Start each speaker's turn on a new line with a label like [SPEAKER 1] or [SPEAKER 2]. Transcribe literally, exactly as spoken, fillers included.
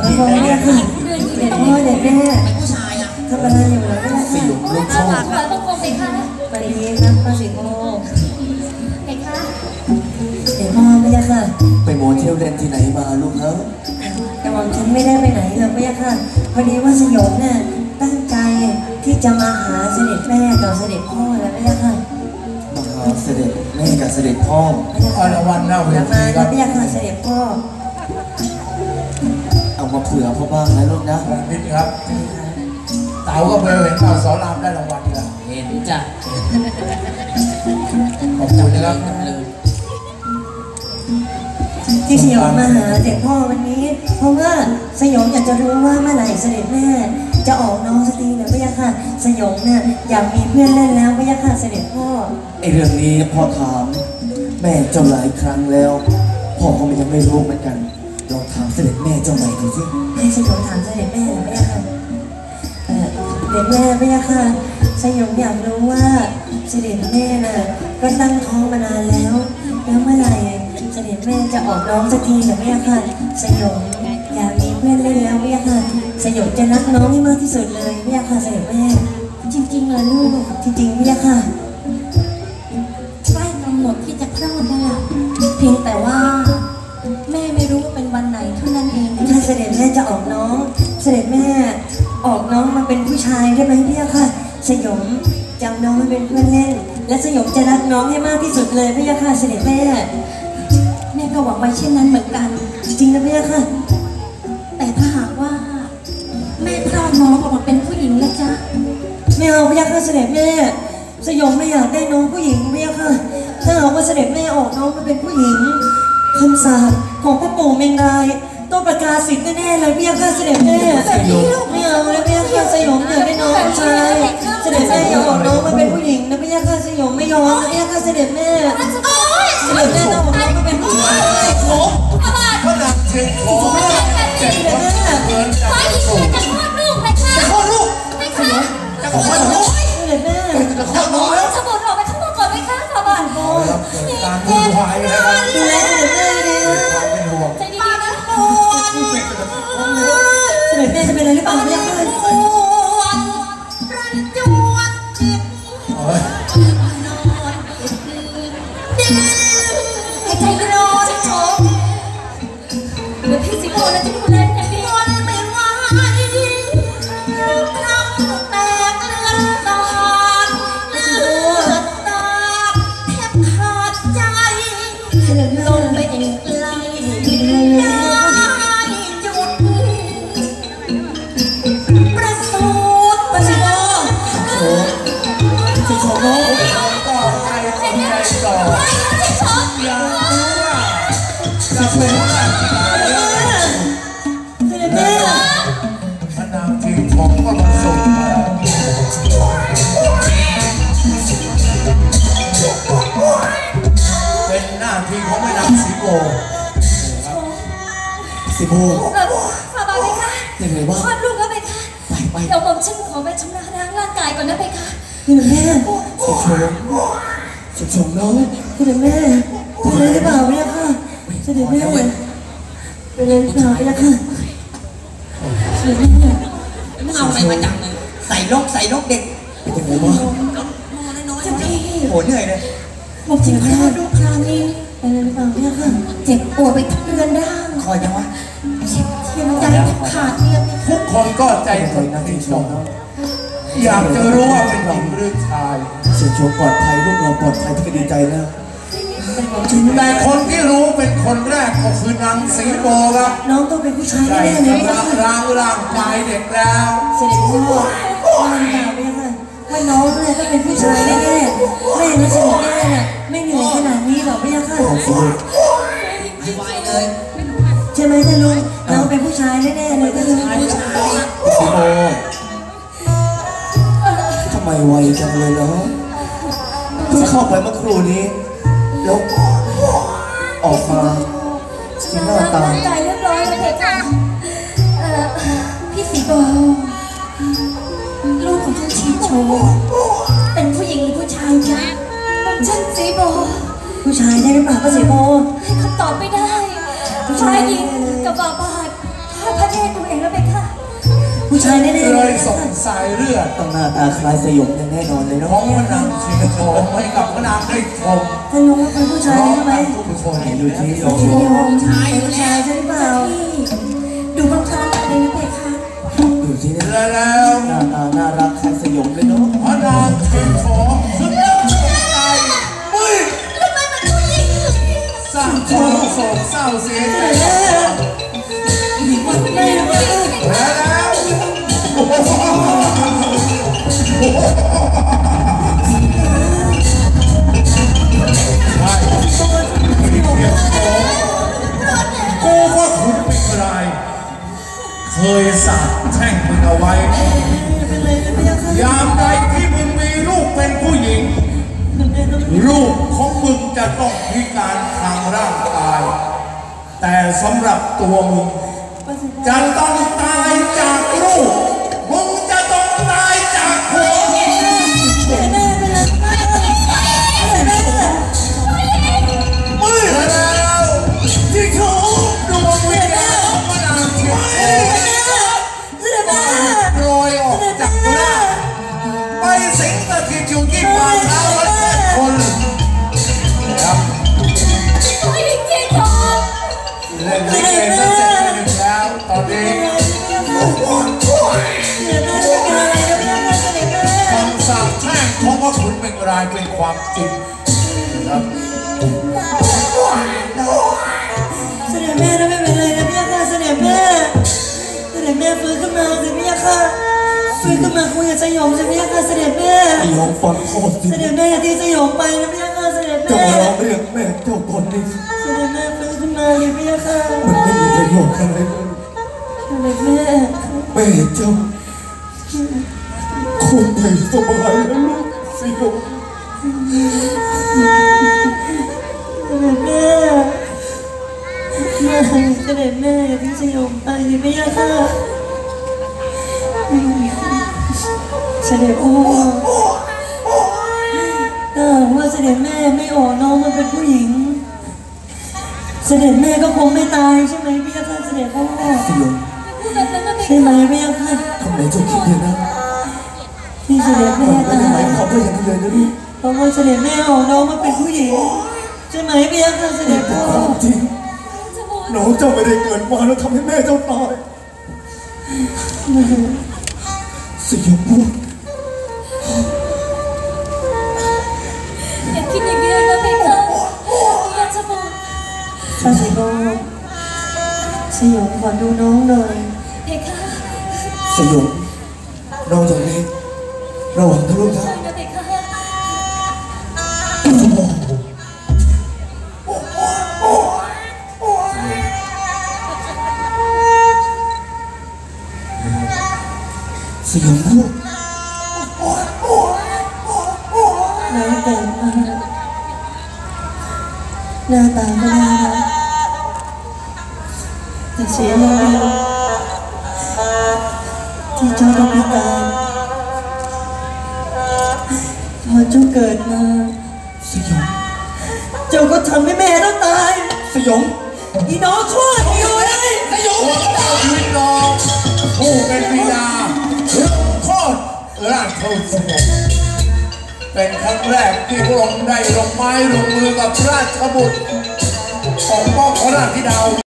[SPEAKER 1] มองแม่ค่ะเด็กพ่อเด็กแม่
[SPEAKER 2] ผู้ชายอ่ะ
[SPEAKER 1] ทำอะไรอยู่เหรอแม่ค่ะ
[SPEAKER 3] สยบลูกพ่อ
[SPEAKER 4] ถวายบังคมเลยค่ะ
[SPEAKER 1] สวัสดีครับป้าสิงโต
[SPEAKER 4] เด็กค่ะ
[SPEAKER 1] เด็กพ่อไม่ยากค่ะ
[SPEAKER 3] ไปโมเทลเล่นที่ไหนมาลูกเฮ้ย
[SPEAKER 1] แต่ว่าฉันไม่ได้ไปไหนเลยไม่ยากค่ะพอดีว่าสยบเนี่ยตั้งใจที่จะมาหาเสด็จแม่กับเสด็จพ่อแล้วไม่ยากค่ะ
[SPEAKER 3] มาหาเสด็จแม่กับเสด็จพ่อ
[SPEAKER 1] อรวันเราเวทีครับไม่ยากค่ะเสด็จพ่อ
[SPEAKER 3] เอามาเผื่อพ่อบ้างนะลูกนะ
[SPEAKER 5] นิดครับเต๋าก็เบลเห็นเต่าสอนรามได้รางวัลแล้ว
[SPEAKER 2] เห็นจ้ะ
[SPEAKER 5] ขอบคุณนะครับ
[SPEAKER 1] ที่สยองมาหาเด็กพ่อวันนี้เพราะว่าสยองอยากจะรู้ว่าเมื่อไหร่เสด็จแม่จะออกน้องสตรีหรือไม่ยากค่ะสยองเนี่ยอยากมีเพื่อนเล่นแล้วไม่ยากค่ะเสด็จพ่อ
[SPEAKER 3] ไอเรื่องนี้พ่อถามแม่เจ้าหลายครั้งแล้วพ่อก็ยังไม่รู้เหมือนกันลองถามเสด็จแม่เจ้าใหม่ดูสิ
[SPEAKER 1] ให้สยองถามเสด็จแม่หรือไม่ยากค่ะเออเด็กแม่ไม่ยากค่ะสยองอยากรู้ว่าเสด็จแม่น่ะก็ตั้งท้องมานานแล้วแล้วเมื่อไหร่เสด็จแม่จะออกน้องสักทีหรือไม่ค่ะสยองอยากมีเพื่อนเล่นแล้วไม่ค่ะสยองจะรักน้องให้มากที่สุดเลยไม่ค่ะเสด็จแม่
[SPEAKER 4] จริงๆเหรอลูก
[SPEAKER 1] จริงๆไม่ค่ะ
[SPEAKER 4] ใกล้กำหนดที่จะคลอดแล้วล่ะเพียงแต่ว่าแม่ไม่รู้ว่าเป็นวันไหนเท่านั้นเอง
[SPEAKER 1] ถ้าเสด็จแม่จะออกน้องเสด็จแม่ออกน้องมาเป็นผู้ชายได้ไหมพี่ค่ะสยองจำน้องมาเป็นเพื่อนเล่นและสยองจะรักน้องให้มากที่สุดเลยพี่ค่ะเสด็จแม่
[SPEAKER 4] แม่ก็หวังไว้เช่นนั้นเหมือนกัน
[SPEAKER 1] จริงนะพี่ค่ะ
[SPEAKER 4] แต่ถ้าหากว่าแม่คลอดน้องออกมาเป็นผู้หญิงแล้วจ๊ะ
[SPEAKER 1] ไม่เอาพี่ค่ะเสด็จแม่สยองไม่อยากได้น้องผู้หญิงพี่ค่ะถ้าหากว่าเสด็จแม่ออกน้องมาเป็นผู้หญิงคำสาปของพ่อปู่เมงรายต้องประกาศสิทธิ์แน่ๆเลยพี่ค่ะเสด็จแม่ไม่เอาเลยพี่ค่ะสยองอยากได้น้องผู้ชายเสด็จแม่อยากออกน้องมาเป็นผู้หญิงนะพี่ค่ะสยองไม่ยอมพี่ค่ะเสด็จแม่เสด็จแม่ต้องออกน้องมาเป็นผู้ชาย
[SPEAKER 5] โอ้ก็หนักเชิงโอ้เจ็บปวดเหมือนกันสูง
[SPEAKER 4] จะคลอดลูกไหมคะ
[SPEAKER 5] จะคลอดลูก
[SPEAKER 4] ไหมคะ
[SPEAKER 5] จะคลอดลูก
[SPEAKER 1] เสด็จแม่
[SPEAKER 5] จะคลอดลูกแล้ว
[SPEAKER 4] สมุนออกไปข้างนอกก่อนไหมคะสบัน
[SPEAKER 5] การวุ่นวายนะครับ
[SPEAKER 1] ดูแลเสด็จแม่ดีนะ
[SPEAKER 5] เป็นห่วง
[SPEAKER 4] ใจดีๆนะ
[SPEAKER 1] เสด็จแม่จะเป็นอะไรหรือเปล่าเนี่ยค่ะ
[SPEAKER 4] ใจเย็นๆชิโชเดี๋ยวพี่สิโกนะจะดูแลอย่างดีวันไม่ไหวทำแตกเลือดตาดเลือดตาดแทบขาดใจลงไปเองไกลได้จุดประสูติประสิทธิ์โอ้
[SPEAKER 1] ชิโชโน่
[SPEAKER 5] ก็ใจใจต่ออยากรู้ว่าจะเป็นอะไร
[SPEAKER 1] เสด็จแม่
[SPEAKER 5] พระนางทีผมก็มาส่งมาเป็นหน้าที่ของแม่นางสีโบ
[SPEAKER 3] สีโบ
[SPEAKER 4] ฝากบอกเลยค่ะ
[SPEAKER 3] ยังไงบ้าง
[SPEAKER 4] คลอดลูกแล้วไหมคะ
[SPEAKER 3] ไปไป
[SPEAKER 4] เดี๋ยวผมฉันขอไปชำระล้างร่างกายก่อนนะไปค่ะ
[SPEAKER 1] เสด็จแม่
[SPEAKER 3] สุชงสุชงน้อง
[SPEAKER 1] เสด็จแม่เป็นอะไรหรือเปล่าเนี่ยค่ะเสด็จแม่เป็นอะไรหรือเปล่าเนี่ยค่ะเสด็จแม่
[SPEAKER 2] มึงเอาอะไรมาจังเลยใส่ลกใส่ลกเด็ก
[SPEAKER 3] เป็นยังไงบ้าง
[SPEAKER 2] น้อยๆน้อยๆโหเหนื่อยเลย
[SPEAKER 4] ผมจิ๋วคลอดลูกคราวนี้
[SPEAKER 1] เป็นอะไรหรือเปล่าเนี่ยค่ะ
[SPEAKER 4] เจ็บปวดไปทั้งเรือนร่าง
[SPEAKER 2] คอยจังวะ
[SPEAKER 4] เจ็บเทียมใจขาดเทียม
[SPEAKER 5] ทุกคนก็ใจสนที่ชมอยากจะรู้ว่าเป็นหญิงหรือชาย
[SPEAKER 3] เสียชมปลอดภัยลูกเราปลอดภัยที่ก็ดีใจแล้ว
[SPEAKER 5] แต่คนที่รู้เป็นคนแรกก็คือนางสีโบครับ
[SPEAKER 1] น้องต้องเป็นผู้ชาย
[SPEAKER 5] แน่
[SPEAKER 1] ๆเลย
[SPEAKER 5] ร่างร่างร่างกายเด็กแล้ว
[SPEAKER 1] เสด็จพ่อว่าหรือเปล่าเนี่ยค่ะว่าน้องเนี่ยต้องเป็นผู้ชายแน่ๆแม่นะเสด็จแม่น่ะไม่เหนื่อยขนาดนี้หรอกพี่ค่ะ
[SPEAKER 2] ไม่ไหวเลย
[SPEAKER 1] ใช่ไหมท่านลุงน้องเป็นผู้ชายแน่ๆเลยท่านลุง
[SPEAKER 3] สีโบทำไมไวจังเลยเนาะเพิ่งเข้าไปเมื่อครู่นี้แล้วออกมาสีหน้าตา
[SPEAKER 4] ใจเรียบร้อยเลยค่ะพี่สีโบลูกของฉันชีโชเป็นผู้หญิงหรือผู้ชายจ๊ะฉันสีโบ
[SPEAKER 1] ผู้ชายได้หรือเปล่าป้าสีโบ
[SPEAKER 4] ให้คำตอบไม่ได้ฝ่ายหญิงกับบาบาดถ้าพระเทพดูเองแล้วเป็นค่ะ
[SPEAKER 1] ผู้ชายแน่ๆ
[SPEAKER 5] เล
[SPEAKER 1] เลย ย
[SPEAKER 5] ส่งสายเลือด
[SPEAKER 3] ต้องหน้าตาคล้ายสยองอย่างแน่นอนเลยเนาะ
[SPEAKER 5] ของพระนางชิงทองให้กับพระนางได้ชม
[SPEAKER 1] ท่านลุงเป็นผู้ชาย
[SPEAKER 5] พร้อม
[SPEAKER 1] ใช่ไหม
[SPEAKER 5] กับทุกคน
[SPEAKER 3] ดูที่ส
[SPEAKER 1] ส
[SPEAKER 3] ยอง
[SPEAKER 1] ยอง
[SPEAKER 2] ชายอยู่
[SPEAKER 1] ผู้
[SPEAKER 2] แล้
[SPEAKER 1] ชายว ใช่หรือเปล่า
[SPEAKER 4] ดูพร้อมๆกันเลยนะเพคะ
[SPEAKER 3] ดูที่ห
[SPEAKER 5] และแล้ว
[SPEAKER 3] น้าตาน่ารักคล้ายสยองเลยเนาะ
[SPEAKER 5] พระนางชิงทองสุดยอดใจไม่
[SPEAKER 4] ทำไมมันผู้หญิง
[SPEAKER 5] สร้างความโศกเศร้าเสียใจ
[SPEAKER 1] ไม่รู้ว่า
[SPEAKER 5] และแล้วกูว่าคุณเป็นใครเคยสาปแช่งมึงเอาไว้
[SPEAKER 1] เป็นไรนะพี่ค่ะ
[SPEAKER 5] ยามใดที่มึงมีลูกเป็นผู้หญิง ลูกของมึงจะต้องพิการทางร่างกาย แต่สำหรับตัวมึงจะต้องตายจากลูกมึงจะต้องตายจากหัว
[SPEAKER 1] แม่เป็นไรแม่แม่
[SPEAKER 5] มือแล้วที่เขาดวงวิญญาณของพระนางเทียนทอง
[SPEAKER 1] เสด็จแม่
[SPEAKER 5] โรยออกจากร่างไปสิงสถิตอยู่ที่ฝ่าเท้าวัดแปดคนครับ
[SPEAKER 4] ผู้หญิงจริงเหรอ
[SPEAKER 5] เล่นลิเกซะเสร็จไปหนึ่งแล้วตอนนี้
[SPEAKER 1] เสด็จแม่เป็นอะไรนะพี่ค่ะเสด็จแม่
[SPEAKER 5] คำสาปแช่งของพระขุนเป็นรายเป็นความจริงนะครับ
[SPEAKER 1] เสด็จแม่นะไม่เป็นไรนะพี่ค่ะเสด็จแม่เสด็จแม่ฟื้นขึ้นมาสิพี่ค่ะฟื้นขึ้นมาคุยกับสยองสิพี่ค่ะเสด็จแม่
[SPEAKER 3] สยองฟังโคตรสิ
[SPEAKER 1] เสด็จแม่ที่สยองไปนะพี่ค่ะเสด็จ
[SPEAKER 3] จะ
[SPEAKER 1] แม่
[SPEAKER 3] มาร้องเรียกแม่เจ้าคนนี้
[SPEAKER 1] เสด็จแม่ฟื้นขึ้นมาเลยพี่ค่ะ
[SPEAKER 3] มันไม่มีประโยชน์อะไรเลย
[SPEAKER 1] เสด็จแม่
[SPEAKER 3] แม่เจ้าคนไทยสบายแล้วลูกสยอง
[SPEAKER 1] เสด็จแม่แม่เสด็จแม่อย่าทิ้งสยองไปเลยพี่ค่ะเสด็จพ่อถ้าหากว่าเสด็จแม่ไม่ออกน้องมาเป็นผู้หญิง เสด็จแม่ก็คงไม่ตายใช่ไหมพี่ค่ะเสด็จพ่อ
[SPEAKER 3] สยอง
[SPEAKER 4] พูดแบบนั้นนะเพ
[SPEAKER 1] ใช่
[SPEAKER 4] คะ
[SPEAKER 1] ไหมพี่ค่ะ
[SPEAKER 3] ทำไมเจ้าคิดอย่างนั้น
[SPEAKER 1] ที่เสด็จแม่
[SPEAKER 3] มันไม่
[SPEAKER 1] ตา
[SPEAKER 3] ได้หมาย
[SPEAKER 1] ย
[SPEAKER 3] ความว่าอย่างนั้นเลยนะลูก
[SPEAKER 1] เพราะว่าเสด็จแม่ออกน้องมาเป็นผู้หญิงใช่ไหมพี่ค่ะเสด็จ
[SPEAKER 3] แต่
[SPEAKER 1] พ่อ
[SPEAKER 3] ความจริง
[SPEAKER 4] จะพูด
[SPEAKER 3] น้องเจ้าไม่ได้เกิดมาแล้วทำให้แม่เจ้าตายสยองพูด
[SPEAKER 4] อย่าคิดอย่างนี้เลยนะเพคะอยากจะบอก
[SPEAKER 1] ข้าสิโกสยองขอดูน้องหน่อย
[SPEAKER 4] เพคะ
[SPEAKER 3] สยองนอกจากนี้ระหว่างทะลุทาง
[SPEAKER 4] ใช่นะเพคะ
[SPEAKER 3] สยองพูด
[SPEAKER 1] น้องแต่งมาหน้าตาไม่น่ารักแต่เสียอย่างเดียวที่เจ้าต้องพิการพอเจ้าเกิดมา
[SPEAKER 3] สยอง
[SPEAKER 1] เจ้าก็ทำให้แม่ต้องตาย
[SPEAKER 3] สยอง
[SPEAKER 1] อีน้องชั่วอยู่เลย
[SPEAKER 5] สยองเอาชีวิตน้องผู้เป็นบิดาถึงโคตรราชวงศ์สมบเป็นครั้งแรกที่พระองค์ได้ลงไม้ลงมือกับราชบุตรปกป้องพระราชธิดา